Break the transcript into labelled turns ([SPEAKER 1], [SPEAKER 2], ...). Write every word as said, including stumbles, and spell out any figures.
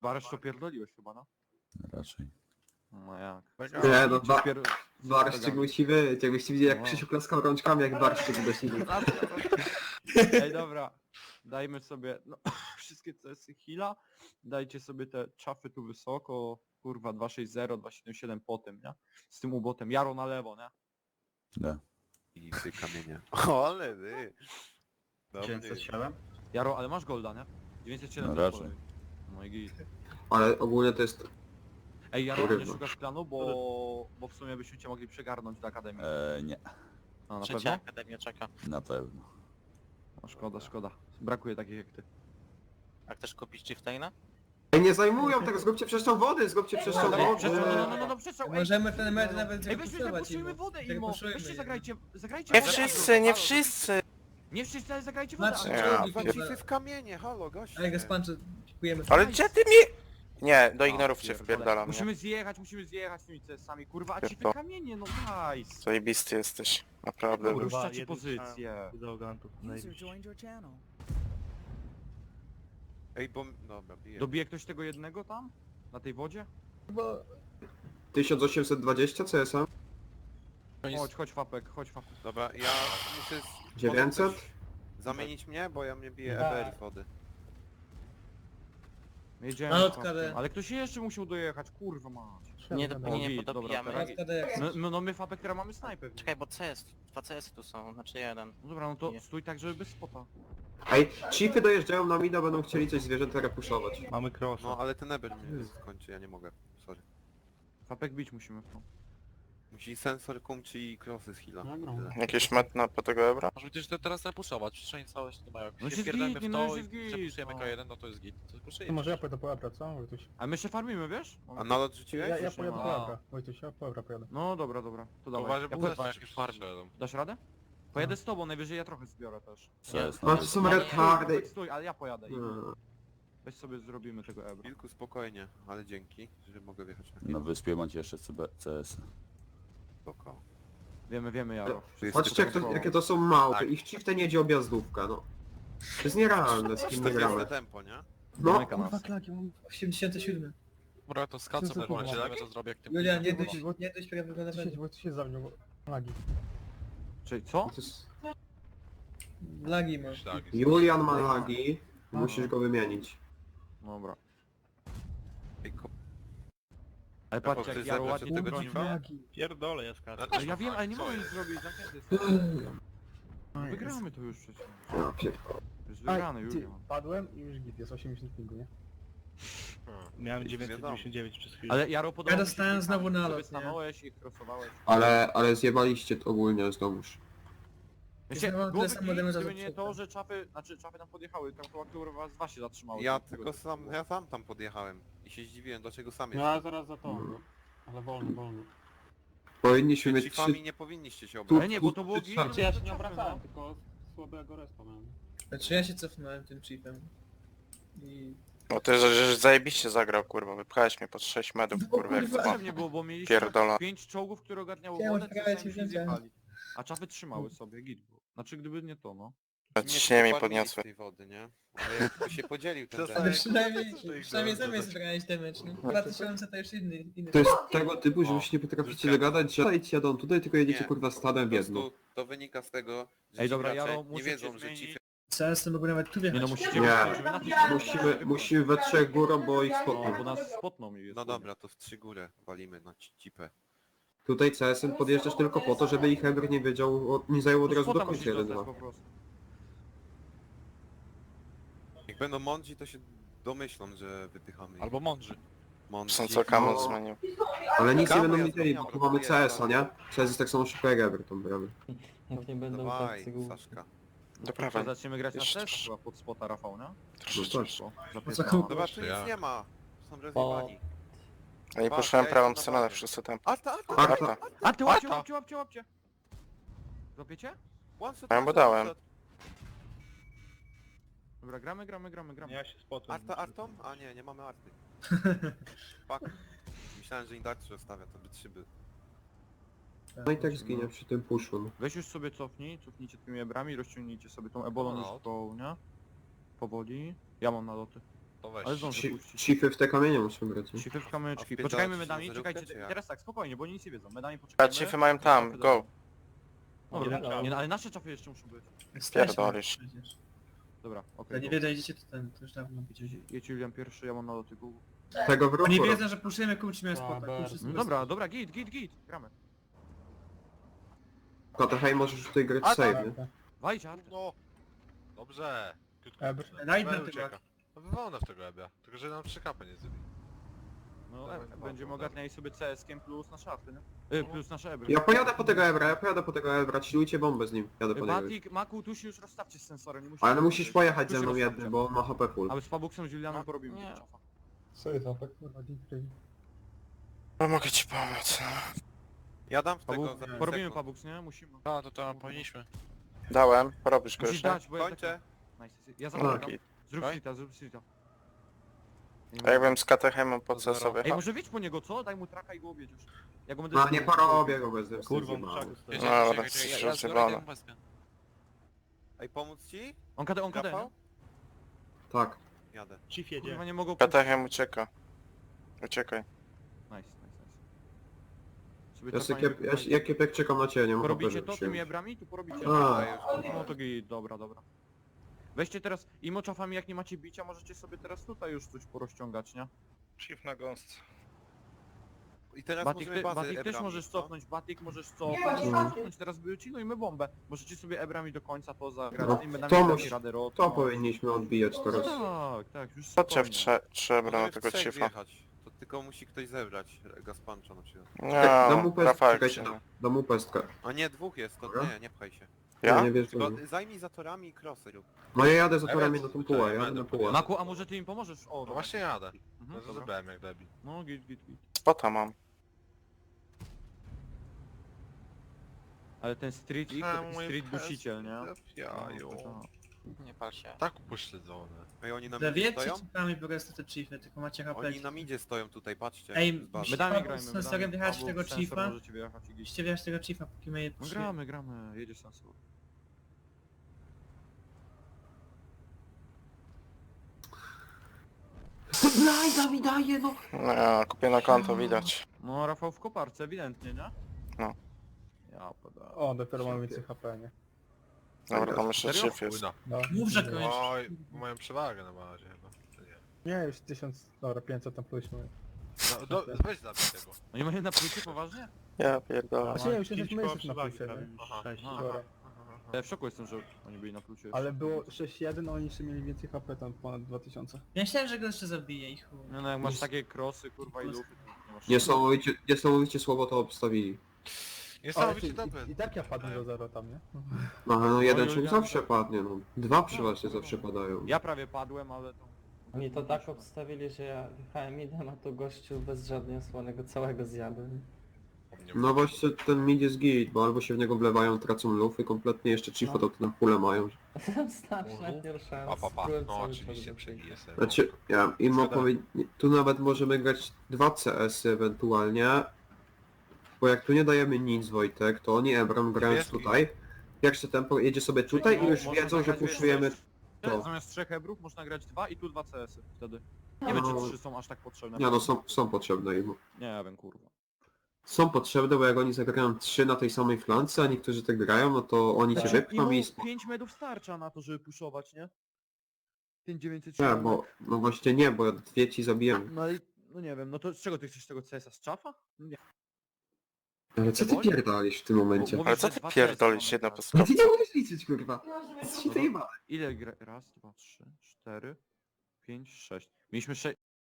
[SPEAKER 1] Baresz to pierdoliłeś chyba, no?
[SPEAKER 2] Raczej.
[SPEAKER 1] No jak?
[SPEAKER 3] Nie, no,
[SPEAKER 1] Cię
[SPEAKER 3] ba-
[SPEAKER 1] pier-
[SPEAKER 3] Barszczyk musi być, jakbyście widzieli jak
[SPEAKER 1] No.
[SPEAKER 3] Krzysiu klaskał rączkami, jak Barszczyk do siebie.
[SPEAKER 1] Ej, dobra. Dajmy sobie, no, wszystkie C S y Hila. Dajcie sobie te czafy tu wysoko. Kurwa, dwa sześć zero, dwa siedem siedem po tym, nie? Z tym ubotem. Jaro na lewo, nie?
[SPEAKER 2] Da.
[SPEAKER 4] I ty kamienie. O, ale ty. Dobry.
[SPEAKER 5] dziewięćset siedem?
[SPEAKER 1] Jaro, ale masz golda, nie? dziewięćset siedem
[SPEAKER 2] No
[SPEAKER 1] też
[SPEAKER 2] raczej.
[SPEAKER 1] podaj. No i git.
[SPEAKER 3] Ale ogólnie to jest...
[SPEAKER 1] Ej, Jaro, nie
[SPEAKER 3] Kurwa.
[SPEAKER 1] szukasz klanu, bo, bo w sumie byśmy cię mogli przegarnąć do akademii.
[SPEAKER 2] Eee, nie.
[SPEAKER 1] A, na
[SPEAKER 6] Trzecia
[SPEAKER 1] pewno?
[SPEAKER 6] akademia czeka.
[SPEAKER 2] Na pewno.
[SPEAKER 1] No, szkoda, szkoda. Brakuje takich jak ty.
[SPEAKER 6] A chcesz kupić Chieftaina?
[SPEAKER 3] Ej, nie zajmują tego, zróbcie przeszczą wody, zróbcie przeszczą
[SPEAKER 1] Ej,
[SPEAKER 3] wody.
[SPEAKER 1] przestrzał, no, no, no, no, no, przestrzał, ej!
[SPEAKER 7] Możemy ten mecz nawet
[SPEAKER 1] Ej, weźmy,
[SPEAKER 7] zrepusztować
[SPEAKER 1] zapuszczujmy
[SPEAKER 7] im.
[SPEAKER 1] wodę im,
[SPEAKER 7] Zrepuszujmy
[SPEAKER 1] weźcie,
[SPEAKER 7] im.
[SPEAKER 1] zagrajcie, zagrajcie
[SPEAKER 8] Nie
[SPEAKER 1] wodę.
[SPEAKER 8] wszyscy, nie
[SPEAKER 1] Halo.
[SPEAKER 8] wszyscy.
[SPEAKER 1] Nie wszyscy, ale zagrajcie wodę.
[SPEAKER 7] Znaczy,
[SPEAKER 1] ale-
[SPEAKER 8] Ja
[SPEAKER 7] czołgi,
[SPEAKER 4] Dwa
[SPEAKER 7] kurwa.
[SPEAKER 4] cify w kamienie, halo goście.
[SPEAKER 7] Ej, Gaspanczo, dziękujemy.
[SPEAKER 8] Ale gdzie ty mi... Nie, do ignorów cię
[SPEAKER 1] pierdolę.
[SPEAKER 8] wpierdalam, nie?
[SPEAKER 1] Musimy zjechać, musimy zjechać tymi C S-ami, kurwa, a ci
[SPEAKER 8] Pierdol-
[SPEAKER 1] kamienie, no nice.
[SPEAKER 8] Zajebisty jesteś. Naprawdę.
[SPEAKER 1] No, ruszczacie pozycję.
[SPEAKER 4] Ej, bo... Dobra, biję.
[SPEAKER 1] Dobije ktoś tego jednego tam? Na tej wodzie?
[SPEAKER 3] tysiąc osiemset dwadzieścia C S a?
[SPEAKER 1] Chodź, chodź Fapek, chodź Fapek.
[SPEAKER 4] Dobra, ja muszę... z-
[SPEAKER 3] dziewięćset?
[SPEAKER 4] może ktoś Zamienić mnie, bo ja mnie bije E B R wody.
[SPEAKER 1] Jedziemy
[SPEAKER 7] A,
[SPEAKER 1] z
[SPEAKER 7] od
[SPEAKER 1] Fapkiem.
[SPEAKER 7] K D.
[SPEAKER 1] Ale ktoś jeszcze musiał dojechać, kurwa mać.
[SPEAKER 6] Nie, do, nie,
[SPEAKER 1] Git,
[SPEAKER 6] bo
[SPEAKER 1] dobra,
[SPEAKER 6] dobijamy.
[SPEAKER 1] teraz-
[SPEAKER 7] Matka jak
[SPEAKER 1] No, no, no my Fapek teraz mamy snajper.
[SPEAKER 6] Czekaj, bo C S, dwa C S y tu są, znaczy jeden.
[SPEAKER 1] No dobra, no to
[SPEAKER 6] Nie.
[SPEAKER 1] stój tak, żeby bez spota.
[SPEAKER 3] Ej, chiefy dojeżdżają na mina, będą chcieli coś zwierzęta repuszować.
[SPEAKER 5] Mamy crossa.
[SPEAKER 4] No, ale ten E B R mnie skończy, ja nie mogę. Sorry.
[SPEAKER 1] Fapek bić musimy w to.
[SPEAKER 4] Musi sensor kumczy i crossy z heala. Tyle.
[SPEAKER 8] Jakiś met na po tego Ebra?
[SPEAKER 9] Może przecież to teraz repuszować, przecież oni całe nie mają. Jak
[SPEAKER 1] No
[SPEAKER 9] się
[SPEAKER 1] się
[SPEAKER 9] wpierdamy
[SPEAKER 1] zgitnie,
[SPEAKER 9] w
[SPEAKER 1] no
[SPEAKER 9] to
[SPEAKER 1] się
[SPEAKER 9] i
[SPEAKER 1] zgit,
[SPEAKER 9] przepuszczujemy
[SPEAKER 1] no.
[SPEAKER 9] K jeden, no to jest git. To puszymy.
[SPEAKER 5] Może ja pojadę po Ebra, co Wojtuś?
[SPEAKER 1] A my się farmimy, wiesz?
[SPEAKER 4] A nalot rzuciłeś?
[SPEAKER 5] Ja, ja
[SPEAKER 1] Już nie
[SPEAKER 5] pojadę
[SPEAKER 1] ma.
[SPEAKER 5] po Ebra, Wojtuś, ja po Ebra pojadę.
[SPEAKER 1] No dobra, dobra, to dawaj.
[SPEAKER 9] Uważaj,
[SPEAKER 1] Ja
[SPEAKER 9] bo
[SPEAKER 1] pojadę-
[SPEAKER 9] dwa jakieś farmy będą.
[SPEAKER 1] Dasz radę? Pojadę z tobą, najwyżej ja trochę zbiorę też.
[SPEAKER 2] Co jest?
[SPEAKER 3] A to są retardy.
[SPEAKER 1] Stój, stój, ale ja pojadę. i
[SPEAKER 3] Hmm.
[SPEAKER 1] Weź sobie zrobimy tego Ebra.
[SPEAKER 4] Wilku, spokojnie, ale dzięki, że mogę wjechać na
[SPEAKER 2] Na
[SPEAKER 4] chwilę.
[SPEAKER 2] wyspie macie jeszcze C B C S.
[SPEAKER 4] Spoko.
[SPEAKER 1] Wiemy, wiemy Jaro.
[SPEAKER 4] Tu jest
[SPEAKER 3] Patrzcie jak to, jakie to są małpy, ich chieftain jedzie objazdówka, no. To jest nierealne, z kim my gramy.
[SPEAKER 4] czterdzieste tempo, nie?
[SPEAKER 3] No,
[SPEAKER 1] Zamyka
[SPEAKER 7] Kurwa
[SPEAKER 1] nas.
[SPEAKER 7] klaki, mam osiemdziesiąt siedem.
[SPEAKER 9] Dobra, to skacę
[SPEAKER 5] Co za
[SPEAKER 9] w momencie,
[SPEAKER 5] kurwa?
[SPEAKER 9] damy co zrobię jak tym...
[SPEAKER 7] Julian, nie
[SPEAKER 5] Kurwa.
[SPEAKER 7] dość, nie dość prawie wygląda
[SPEAKER 5] Wojtuś, Wojtuś się zawnił, bo... Lagi.
[SPEAKER 1] Czyli co?
[SPEAKER 3] to jest...
[SPEAKER 7] Lagi ma.
[SPEAKER 9] Tak,
[SPEAKER 3] Julian ma lagi, musisz go wymienić.
[SPEAKER 1] Dobra.
[SPEAKER 4] Ej, ko...
[SPEAKER 1] Ale
[SPEAKER 4] Rafał,
[SPEAKER 1] patrzcie jak
[SPEAKER 4] chcesz
[SPEAKER 1] Jaro
[SPEAKER 4] zebrać
[SPEAKER 1] ładnie
[SPEAKER 4] od tego
[SPEAKER 1] broni.
[SPEAKER 4] cifa?
[SPEAKER 5] Pierdolę, ja skaczę.
[SPEAKER 1] Ale ja wiem, ale nie
[SPEAKER 9] Co
[SPEAKER 1] mogę nic
[SPEAKER 9] jest?
[SPEAKER 1] zrobić, zamknięty jest. Wygramy to już przecież.
[SPEAKER 3] Ja pierdolę.
[SPEAKER 1] Już wygrany, już
[SPEAKER 5] ty,
[SPEAKER 1] nie ma.
[SPEAKER 5] padłem i już git, jest osiemdziesiąt pingu, nie?
[SPEAKER 4] Miałem
[SPEAKER 5] Miałem
[SPEAKER 4] dziewięćset dziewięćdziesiąt
[SPEAKER 5] dziewięćdziesiąt przez chwilę.
[SPEAKER 1] Ale Jaro podoba
[SPEAKER 7] Ja
[SPEAKER 1] mi się
[SPEAKER 7] dostałem
[SPEAKER 1] kilka,
[SPEAKER 7] znowu
[SPEAKER 1] że
[SPEAKER 7] nalot,
[SPEAKER 1] sobie stanąłeś i krosowałeś.
[SPEAKER 3] Ale, ale zjebaliście to ogólnie znowuż.
[SPEAKER 1] Wiecie,
[SPEAKER 7] Znowu tyle
[SPEAKER 1] byłoby
[SPEAKER 7] samo
[SPEAKER 1] git,
[SPEAKER 7] damage'a
[SPEAKER 1] gdyby
[SPEAKER 7] za
[SPEAKER 1] nie to,
[SPEAKER 7] przykład.
[SPEAKER 1] że czapy, znaczy czapy tam podjechały, tam chyba kurwa z dwa się zatrzymały.
[SPEAKER 4] Ja
[SPEAKER 1] Tego
[SPEAKER 4] tylko
[SPEAKER 1] typu.
[SPEAKER 4] sam, ja sam tam podjechałem i się zdziwiłem, dlaczego sam
[SPEAKER 10] No ja
[SPEAKER 4] jestem.
[SPEAKER 10] zaraz za to, no. Ale wolno, wolno.
[SPEAKER 3] Powinniśmy mieć
[SPEAKER 4] Chiefami
[SPEAKER 3] trzy...
[SPEAKER 4] nie powinniście się
[SPEAKER 3] Tu-
[SPEAKER 4] obrać.
[SPEAKER 1] Ale nie, bo to było
[SPEAKER 3] tu-
[SPEAKER 1] git.
[SPEAKER 10] Znaczy ja się
[SPEAKER 1] to
[SPEAKER 10] nie
[SPEAKER 1] czapy,
[SPEAKER 10] obracałem,
[SPEAKER 1] no.
[SPEAKER 10] tylko słabego respa miałem.
[SPEAKER 7] Znaczy ja się cofnąłem tym chiefem. I...
[SPEAKER 8] No ty żeś zajebiście zagrał, kurwa. Wypchałeś mnie pod sześć metrów,
[SPEAKER 7] No,
[SPEAKER 8] kurwa, jak
[SPEAKER 7] kurwa.
[SPEAKER 8] to ma.
[SPEAKER 1] Potrzebnie było, bo mieliśmy
[SPEAKER 8] Pierdola.
[SPEAKER 1] pięć czołgów, które ogarniały
[SPEAKER 7] Chciałem
[SPEAKER 1] wodę,
[SPEAKER 7] odprawiać
[SPEAKER 1] czasami
[SPEAKER 7] i
[SPEAKER 1] się
[SPEAKER 7] wiedziałem.
[SPEAKER 1] zjechali. A czapy trzymały sobie, git było. Znaczy gdyby nie to, no.
[SPEAKER 8] Ciśnienie mi
[SPEAKER 4] Nie
[SPEAKER 8] podniosły.
[SPEAKER 4] z tej wody, nie? Ale jakby się podzielił ten
[SPEAKER 7] Ale
[SPEAKER 4] damage.
[SPEAKER 7] przynajmniej, przynajmniej zamiast zbrać damage, nie? dwa tysiące to już inny, inny.
[SPEAKER 3] To jest tego typu, że wy się nie potraficie dogadać, że tutaj jadą tutaj, tylko jedziecie
[SPEAKER 4] Nie,
[SPEAKER 3] kurwa stadem w
[SPEAKER 4] Po
[SPEAKER 3] jedno.
[SPEAKER 4] prostu to wynika z tego, że
[SPEAKER 1] Ej,
[SPEAKER 4] ci
[SPEAKER 1] dobra,
[SPEAKER 4] gracze
[SPEAKER 1] Jaro,
[SPEAKER 4] nie
[SPEAKER 1] muszę
[SPEAKER 4] wiedzą,
[SPEAKER 1] cię
[SPEAKER 4] że ci
[SPEAKER 1] zmienić.
[SPEAKER 7] Teraz to mogę nawet tu
[SPEAKER 1] Nie no,
[SPEAKER 7] wjechać.
[SPEAKER 1] musicie
[SPEAKER 3] Nie.
[SPEAKER 1] musimy na tych-
[SPEAKER 3] Musimy, musimy we trzech górą, bo ich
[SPEAKER 1] No,
[SPEAKER 3] spotną.
[SPEAKER 1] bo nas spotną i jest.
[SPEAKER 4] No dobra, to w trzy górę walimy na ci- cipę.
[SPEAKER 3] Tutaj C S em podjeżdżasz tylko po to, żeby ich Ember nie wiedział, o- nie zajął od
[SPEAKER 1] No
[SPEAKER 3] razu do
[SPEAKER 1] spota
[SPEAKER 3] końca
[SPEAKER 1] musisz
[SPEAKER 3] jeden
[SPEAKER 1] dostać
[SPEAKER 3] dwa.
[SPEAKER 1] po prostu.
[SPEAKER 4] Jak będą mądrzy, to się domyślą, że wypychamy ich.
[SPEAKER 9] Albo mądrzy.
[SPEAKER 4] Mądrzy.
[SPEAKER 8] Są co Kamon
[SPEAKER 3] No.
[SPEAKER 8] zmienił.
[SPEAKER 3] Ale nic nie
[SPEAKER 4] Kamo
[SPEAKER 3] będą
[SPEAKER 4] ja
[SPEAKER 3] wiedzieli, bo
[SPEAKER 4] zmieniam,
[SPEAKER 3] tu mamy
[SPEAKER 4] brakuje,
[SPEAKER 3] C S a,
[SPEAKER 4] tak.
[SPEAKER 3] nie? C S jest tak samo szybko jak Ever, tą bramy.
[SPEAKER 10] Jak nie będą
[SPEAKER 4] Dawaj,
[SPEAKER 10] tak
[SPEAKER 4] Saszka.
[SPEAKER 8] Do
[SPEAKER 1] To
[SPEAKER 8] prawej.
[SPEAKER 1] zaczniemy grać na
[SPEAKER 8] Jeszcze
[SPEAKER 1] test
[SPEAKER 8] troszkę.
[SPEAKER 1] chyba pod spota, Rafał, nie?
[SPEAKER 3] No
[SPEAKER 8] Troszeczkę.
[SPEAKER 3] tak.
[SPEAKER 1] Co?
[SPEAKER 7] co
[SPEAKER 1] Zapierdalamy.
[SPEAKER 4] Dobra, tu nic
[SPEAKER 9] Ja.
[SPEAKER 4] nie ma. Są rozjebani.
[SPEAKER 8] Ja nie
[SPEAKER 4] Dwa,
[SPEAKER 8] poszłem
[SPEAKER 4] ja
[SPEAKER 8] prawą
[SPEAKER 4] jestem na
[SPEAKER 8] stronę
[SPEAKER 4] bazie.
[SPEAKER 8] wszyscy tam.
[SPEAKER 4] Arta, arta,
[SPEAKER 3] Arta.
[SPEAKER 8] Arta.
[SPEAKER 1] A ty łapcie,
[SPEAKER 9] Arta.
[SPEAKER 1] łapcie, łapcie, łapcie! Złapiecie?
[SPEAKER 4] one shot,
[SPEAKER 8] Ja
[SPEAKER 4] one
[SPEAKER 8] mu
[SPEAKER 4] shot,
[SPEAKER 8] dałem.
[SPEAKER 4] one shot.
[SPEAKER 1] Dobra, gramy, gramy, gramy, gramy.
[SPEAKER 5] Ja się spotłem.
[SPEAKER 4] Arta, artą? A nie, nie mamy arty. Fuck. Myślałem, że Indarczy zostawia, to by trzy by.
[SPEAKER 3] No i tak zginie przy tym puszu. No.
[SPEAKER 1] Weź już sobie cofnij, cofnijcie tymi ebrami, rozciągnijcie sobie tą ebolą
[SPEAKER 9] No.
[SPEAKER 1] już po, nie? Powoli. Ja mam naloty.
[SPEAKER 9] To weź.
[SPEAKER 1] Ale zdążę
[SPEAKER 3] Ci-
[SPEAKER 1] puścić.
[SPEAKER 3] Cify w te kamienie muszę brać. nie?
[SPEAKER 1] Cify w
[SPEAKER 4] A
[SPEAKER 1] kamyczki.
[SPEAKER 4] wpierdalasz
[SPEAKER 1] Poczekajmy
[SPEAKER 4] się
[SPEAKER 1] medami,
[SPEAKER 4] na
[SPEAKER 1] czekajcie.
[SPEAKER 4] zerówkę, czy jak?
[SPEAKER 1] Teraz tak, spokojnie, bo oni nic nie wiedzą. Medami
[SPEAKER 8] A
[SPEAKER 1] poczekajmy.
[SPEAKER 8] cify mają tam, go.
[SPEAKER 1] Dobra,
[SPEAKER 10] Dobra.
[SPEAKER 1] nie, no, ale nasze czafy jeszcze muszą być.
[SPEAKER 8] Pierdolisz.
[SPEAKER 7] Przecież.
[SPEAKER 1] Dobra,
[SPEAKER 7] To
[SPEAKER 1] okej.
[SPEAKER 7] nie
[SPEAKER 1] Okay,
[SPEAKER 7] wiedzą, idziecie to ten, to już dawno wiecie.
[SPEAKER 1] Jedź Julian pierwszy, ja mam na dotyku.
[SPEAKER 3] Tego w
[SPEAKER 7] Oni
[SPEAKER 3] ruchu.
[SPEAKER 7] wiedzą, że puszujemy kurczmy
[SPEAKER 10] Tak,
[SPEAKER 7] spota,
[SPEAKER 10] ber-
[SPEAKER 7] kurczmy
[SPEAKER 1] No dobra, dobra, git, git, git. Gramy.
[SPEAKER 3] Kotechaj możesz tutaj grać
[SPEAKER 9] A,
[SPEAKER 3] save, nie?
[SPEAKER 5] Tak,
[SPEAKER 1] Wajcie, Arty.
[SPEAKER 9] No. Dobrze. Krótko.
[SPEAKER 5] Ebr.
[SPEAKER 9] myślę.
[SPEAKER 7] Daj
[SPEAKER 9] Ebr
[SPEAKER 7] do tego.
[SPEAKER 9] ucieka. No wywolnę w tego ebia. Tylko że nam trzy kapy nie zrobi.
[SPEAKER 1] No,
[SPEAKER 9] Dawaj,
[SPEAKER 1] e,
[SPEAKER 9] dawaj,
[SPEAKER 1] będziemy
[SPEAKER 9] dawaj.
[SPEAKER 1] ogarniali sobie C S-kiem plus na szafy, nie? Y, plus nasze ebry.
[SPEAKER 3] Ja pojadę po tego Ebra, ja pojadę po tego Ebra, chillujcie bombę z nim. Jadę po niego.
[SPEAKER 1] Matik, Maku, tu się już rozstawcie z sensorem, nie musisz...
[SPEAKER 3] Ale musisz pojechać
[SPEAKER 1] Tu
[SPEAKER 3] ze
[SPEAKER 1] się
[SPEAKER 3] mną
[SPEAKER 1] rozstawcie.
[SPEAKER 3] jednym, bo on ma H P full.
[SPEAKER 1] Ale z Pabuksem, z Julianem
[SPEAKER 6] A,
[SPEAKER 1] porobimy
[SPEAKER 6] nie.
[SPEAKER 1] tego czafa.
[SPEAKER 5] Co jest apek, kurwa, deep free.
[SPEAKER 8] No mogę ci pomóc.
[SPEAKER 4] Ja dam w tego
[SPEAKER 1] Pabu...
[SPEAKER 4] za pięć
[SPEAKER 1] Porobimy
[SPEAKER 4] sekund.
[SPEAKER 1] Pabuks, nie? Musimy.
[SPEAKER 9] A, to tam powinniśmy.
[SPEAKER 8] Dałem, porobisz go
[SPEAKER 1] Musisz
[SPEAKER 8] już, nie?
[SPEAKER 1] dać, bo ja
[SPEAKER 4] Kończę.
[SPEAKER 1] tak... Nice. Ja
[SPEAKER 3] Tak.
[SPEAKER 1] zamykam.
[SPEAKER 8] Git.
[SPEAKER 1] Zrób
[SPEAKER 9] Daj.
[SPEAKER 1] slita, zrób slita.
[SPEAKER 8] A jakbym z Katechem po co
[SPEAKER 9] Zero.
[SPEAKER 8] sobie...
[SPEAKER 1] Ej, może wiedź po niego, co? Daj mu traka i go objedź już. Ja go będę...
[SPEAKER 3] No nie porobię go bez demsy.
[SPEAKER 10] Kurwa, w krzaku stoi.
[SPEAKER 8] No, ale jesteś rozjebany.
[SPEAKER 4] Ej, pomóc ci?
[SPEAKER 1] On KD, on KD,
[SPEAKER 4] Rafał?
[SPEAKER 1] nie?
[SPEAKER 3] Tak.
[SPEAKER 4] Jadę.
[SPEAKER 10] Chief jedzie.
[SPEAKER 1] Kurwa nie mogą...
[SPEAKER 8] Katechem ucieka. Uciekaj.
[SPEAKER 1] Nice, nice, nice. Sobie
[SPEAKER 3] Ja
[SPEAKER 1] tak
[SPEAKER 3] sobie
[SPEAKER 1] fajnie
[SPEAKER 3] kiep, ja,
[SPEAKER 1] wykonajcie.
[SPEAKER 3] ja kiepek czekam na ciebie, nie mogę
[SPEAKER 1] Porobicie
[SPEAKER 3] HP
[SPEAKER 1] to
[SPEAKER 3] przyjąć.
[SPEAKER 1] tymi ebrami? Tu porobicie.
[SPEAKER 3] A.
[SPEAKER 1] No to git, dobra, dobra. Weźcie teraz i moczafami, jak nie macie bicia, możecie sobie teraz tutaj już coś porozciągać, nie?
[SPEAKER 8] Chief na gąsce.
[SPEAKER 4] I teraz
[SPEAKER 1] Batik,
[SPEAKER 4] możemy
[SPEAKER 1] ty,
[SPEAKER 4] bazę
[SPEAKER 1] Batik też
[SPEAKER 4] ebrami,
[SPEAKER 1] możesz
[SPEAKER 4] co?
[SPEAKER 1] cofnąć, Batik możesz cofnąć, cofnąć, teraz wycinujmy bombę. Możecie sobie ebrami do końca to zagrać,
[SPEAKER 3] No,
[SPEAKER 1] tymi medami
[SPEAKER 3] to
[SPEAKER 1] dać
[SPEAKER 3] musi-
[SPEAKER 1] radę rot,
[SPEAKER 3] To
[SPEAKER 1] no.
[SPEAKER 3] powinniśmy odbijać teraz.
[SPEAKER 1] Tak, tak, już
[SPEAKER 8] Chodźcie w
[SPEAKER 1] spokojnie.
[SPEAKER 8] trze trzeba na
[SPEAKER 4] Możemy w
[SPEAKER 8] tego
[SPEAKER 4] trzech
[SPEAKER 8] Chiefa.
[SPEAKER 4] wjechać. To tylko musi ktoś zebrać Gaspancza na przykład.
[SPEAKER 3] Dam mu
[SPEAKER 8] Nie,
[SPEAKER 3] pestkę,
[SPEAKER 8] Rafał
[SPEAKER 3] czekajcie,
[SPEAKER 8] chce.
[SPEAKER 3] dam, dam mu pestkę.
[SPEAKER 4] A nie, dwóch jest, to
[SPEAKER 3] Dobra.
[SPEAKER 4] nie, nie pchaj się.
[SPEAKER 3] Ja?
[SPEAKER 8] Ja?
[SPEAKER 3] Nie wiesz,
[SPEAKER 4] Tylko
[SPEAKER 3] że-
[SPEAKER 4] zajmij za torami i crossy rób.
[SPEAKER 3] No ja jadę za torami
[SPEAKER 9] Ja
[SPEAKER 3] na tą
[SPEAKER 9] będę
[SPEAKER 3] pułę,
[SPEAKER 9] tutaj,
[SPEAKER 3] jadę na
[SPEAKER 9] będę
[SPEAKER 3] pułę.
[SPEAKER 1] Maku, a może ty im pomożesz? O,
[SPEAKER 9] No
[SPEAKER 1] dobra.
[SPEAKER 9] właśnie jadę.
[SPEAKER 1] Mhm,
[SPEAKER 9] No
[SPEAKER 1] dobra.
[SPEAKER 9] zrobiłem jak debil.
[SPEAKER 1] No git, git, git.
[SPEAKER 8] Spota mam.
[SPEAKER 1] Ale ten street, to taki street dusiciel, nie?
[SPEAKER 9] Jaju.
[SPEAKER 1] No,
[SPEAKER 6] Nie pal się.
[SPEAKER 9] Tak upośledzone.
[SPEAKER 4] Ej, oni na midzie
[SPEAKER 7] Zawiecie
[SPEAKER 4] stoją?
[SPEAKER 7] cipami po prostu te chiefy, tylko macie H P.
[SPEAKER 4] Oni na midzie stoją tutaj, patrzcie.
[SPEAKER 7] Ej,
[SPEAKER 4] z bazy.
[SPEAKER 1] Medami
[SPEAKER 7] Paweł,
[SPEAKER 1] grajmy,
[SPEAKER 7] z
[SPEAKER 1] medami.
[SPEAKER 7] sensorem wjechać w
[SPEAKER 1] Paweł,
[SPEAKER 7] tego
[SPEAKER 1] sensor
[SPEAKER 7] chiefa?
[SPEAKER 1] możecie wjechać i git.
[SPEAKER 7] Musicie wjechać tego chiefa, póki my je
[SPEAKER 1] No
[SPEAKER 7] puszujemy.
[SPEAKER 1] gramy, gramy, jedzie sensor.
[SPEAKER 3] Blajda mi daje, no!
[SPEAKER 8] No, kupię na konto, widać.
[SPEAKER 1] No Rafał w koparce, ewidentnie, nie?
[SPEAKER 8] No.
[SPEAKER 1] Ja podam.
[SPEAKER 5] O, dopiero mam więcej H P, nie?
[SPEAKER 8] Dobra, tam jeszcze
[SPEAKER 1] Serio?
[SPEAKER 8] Chief jest.
[SPEAKER 9] Płyna.
[SPEAKER 5] No.
[SPEAKER 7] Mów, że kończ.
[SPEAKER 9] Oj, mają przewagę na bazie chyba. Czy nie?
[SPEAKER 5] Nie, już tysiąc, dobra, pięćset tam plus mamy.
[SPEAKER 9] No, do, weź zabij tego.
[SPEAKER 1] Oni mają na płycie poważnie?
[SPEAKER 8] Ja pierdolę.
[SPEAKER 5] Znaczy nie, już jesteśmy jesteśmy na plusie, nie?
[SPEAKER 9] Aha.
[SPEAKER 1] Aha.
[SPEAKER 5] Dobra.
[SPEAKER 1] Ja w szoku jestem, że oni byli na plusie.
[SPEAKER 5] Ale było sześć jeden, a oni jeszcze mieli więcej H P, tam ponad dwa tysiące.
[SPEAKER 7] Ja myślałem, że go jeszcze zabije i chuj.
[SPEAKER 1] No, no jak masz takie krosy, kurwa i lufy, to nie masz...
[SPEAKER 3] Niesamowicie, niesamowicie słabo to obstawili.
[SPEAKER 9] Niesamowicie
[SPEAKER 5] Ale
[SPEAKER 9] dobre.
[SPEAKER 5] i, i tak ja padnę do zero tam, nie?
[SPEAKER 3] No ale no jeden
[SPEAKER 1] Oj,
[SPEAKER 3] człowiek
[SPEAKER 1] ja-
[SPEAKER 3] zawsze padnie, no. Dwa przeważnie zawsze padają.
[SPEAKER 1] Ja prawie padłem, ale to...
[SPEAKER 10] Oni to tak obstawili, że ja jechałem idem, a tu gościu bez żadnej osłony go całego zjadłem.
[SPEAKER 3] No właśnie ten mid jest git, bo albo się w niego wlewają, tracą lufy kompletnie, jeszcze Chiefo to na pulę mają.
[SPEAKER 10] Znacznie na pierwsza.
[SPEAKER 9] Pa, pa, pa. No oczywiście, przebije sobie.
[SPEAKER 3] Znaczy, ja im
[SPEAKER 9] Zgoda.
[SPEAKER 3] opowie... Tu nawet możemy grać dwa C S-y ewentualnie. Bo jak tu nie dajemy nic, Wojtek, to oni Ebram grając
[SPEAKER 9] Niebieski.
[SPEAKER 3] tutaj, jak się tempo jedzie sobie tutaj i już
[SPEAKER 1] Można
[SPEAKER 3] wiedzą, że
[SPEAKER 1] zagrać, wiesz,
[SPEAKER 3] puszujemy
[SPEAKER 1] też-
[SPEAKER 3] to.
[SPEAKER 1] Zamiast trzech ebrów można grać dwa i tu dwa C S-y wtedy. Nie wiem,
[SPEAKER 3] No.
[SPEAKER 1] czy trzy są aż tak potrzebne.
[SPEAKER 3] Nie no, są, są potrzebne im.
[SPEAKER 1] Nie wiem, kurwa.
[SPEAKER 3] Są potrzebne, bo jak oni zagrają trzy na tej samej flance, a niektórzy tak grają, no to oni cię
[SPEAKER 1] Znaczy,
[SPEAKER 3] wypchną i...
[SPEAKER 1] mu pięć medów starcza na to, żeby puszować, nie? pięć dziewięćset
[SPEAKER 3] Nie, bo... No właśnie nie, bo dwie ci zabiję.
[SPEAKER 1] No ale... No nie wiem, no to z czego ty chcesz tego C S-a? Z czafa? Nie.
[SPEAKER 3] Ale co ty pierdolisz w tym momencie?
[SPEAKER 1] Mówię,
[SPEAKER 8] Ale co
[SPEAKER 1] że
[SPEAKER 8] ty
[SPEAKER 1] dwa
[SPEAKER 8] pierdolisz
[SPEAKER 1] C S-y
[SPEAKER 8] jedna
[SPEAKER 1] mamy grać.
[SPEAKER 3] No
[SPEAKER 8] postka?
[SPEAKER 3] ty nie możesz liczyć, kurwa. Jesteś
[SPEAKER 1] No to-
[SPEAKER 3] tutaj ma.
[SPEAKER 1] Ile gra... Raz, dwa, trzy, cztery, pięć, sześć. Mieliśmy sześć...